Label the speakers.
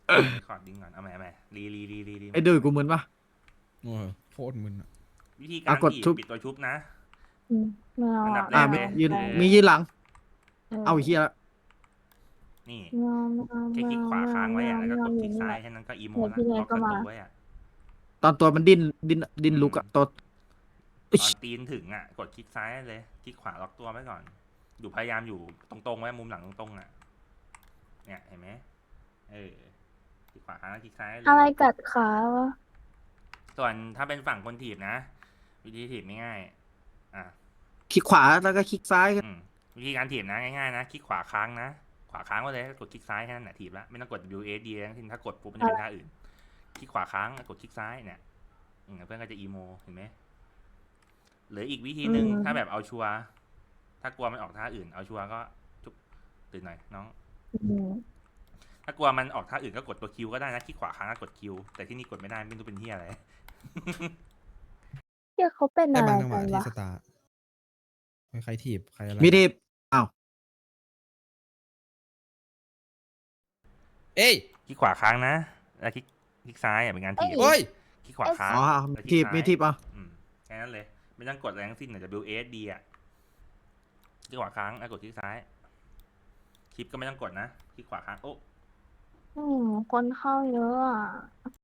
Speaker 1: ขอดิ้งก่อนเอาใหม่รี
Speaker 2: ไอ้ดุยกูมึนปะ
Speaker 3: โอ้ยโคตรมึนอะ
Speaker 1: วิธีกา
Speaker 2: อ่ะ
Speaker 1: รถีบ
Speaker 2: กดชุบ
Speaker 1: ปิดตัวชุบนะ
Speaker 4: อืมไม่เอา
Speaker 1: อันดับแร
Speaker 4: ไม่
Speaker 2: อ่ะ
Speaker 1: ก
Speaker 4: เอา
Speaker 1: เลย
Speaker 2: ยืน
Speaker 4: ไม่
Speaker 2: มียืนหลัง
Speaker 4: เออ
Speaker 2: เอาไอ้เฮียละ
Speaker 1: นี่
Speaker 4: ไม่เอาไม่เอา
Speaker 1: แค่คลิกขวาค้างไว้อะแล้วก็กดคลิกซ้ายแค่นั้นก็อีโม
Speaker 4: เดี๋ยว
Speaker 1: ละ
Speaker 4: พี่เน
Speaker 1: ล็
Speaker 4: ย
Speaker 1: อกป
Speaker 4: ก็มา
Speaker 1: ระตูไว้อะ
Speaker 2: ตอนตัวมันดิ้นลุกอะตัวอิ๊
Speaker 1: ตอน
Speaker 2: ย
Speaker 1: ตีนถึงอ่ะกดคลิกซ้ายเลยคลิกขวาล็อกตัวไว้ก่อนอยู่พยายามอยู่ตรงๆไว้มุมหลังตรงๆอ่ะเนี่ยเห็นไหมคลิกขวาค้างแล้วคลิกซ้ายเลย
Speaker 4: อะไรกัดขาวะ
Speaker 1: ส่วนถ้าเป็นฝั่งคนถีบนะ วิธีถีบง่ายๆ
Speaker 2: คลิกขวาแล้วก็คลิกซ้าย
Speaker 1: อืมวิธีการถีบนะง่ายๆนะคลิกขวาค้างนะขวาค้างไว้เลยกดคลิกซ้ายแค่นั้นแหละถีบละไม่ต้องกด W S D ทั้งสิ้นถ้ากดปุ๊บมันจะเป็นท่าอื่นคลิกขวาค้างกดคลิกซ้ายเนี่ยเพื่อนก็จะอีโมเห็นไหมหรืออีกวิธีหนึ่งถ้าแบบเอาชัวร์ถ้ากลัวมันออกท่าอื่นเอาชัวร์ก็จุ๊บตื่นหน่อยน้อง
Speaker 4: อืม
Speaker 1: ถ้ากลัวมันออกท่าอื่นก็กดตัวคิวก็ได้นะคลิกขวาค้างก็กดคิวแต่ที่นี่กดไม่ได้ไม่รู้เป็นที่อะไร
Speaker 4: เฮียเขาเป็น
Speaker 3: ได้
Speaker 4: อะไร
Speaker 3: บางจังห
Speaker 4: กั
Speaker 3: วะ
Speaker 4: น
Speaker 3: ที่
Speaker 4: วะ
Speaker 3: สตาร์ใครถีบใครอะไร
Speaker 2: มีทีบอ้าว
Speaker 3: เอ้ย
Speaker 1: คลิกขวาค้างนะแล้วคลิกซ้ายเป็นการถีบ
Speaker 3: โอ้ย
Speaker 1: คลิกขวาค้าง
Speaker 2: อ๋อ
Speaker 1: แล้วคลิ
Speaker 2: ที
Speaker 1: ก
Speaker 2: บ
Speaker 1: ซ้าย
Speaker 2: มีทีบอ่ะ
Speaker 1: แค่นั้นเลยไม่ต้องกดอะไรทั้งสิ้นW S D อ่ะคลิกขวาค้างแล้วกดคลิกซ้ายคลิปก็ไม่ต้องกดนะคลิกขวาค้างโอ้
Speaker 4: อืมคนเข้าเยอะอ่ะ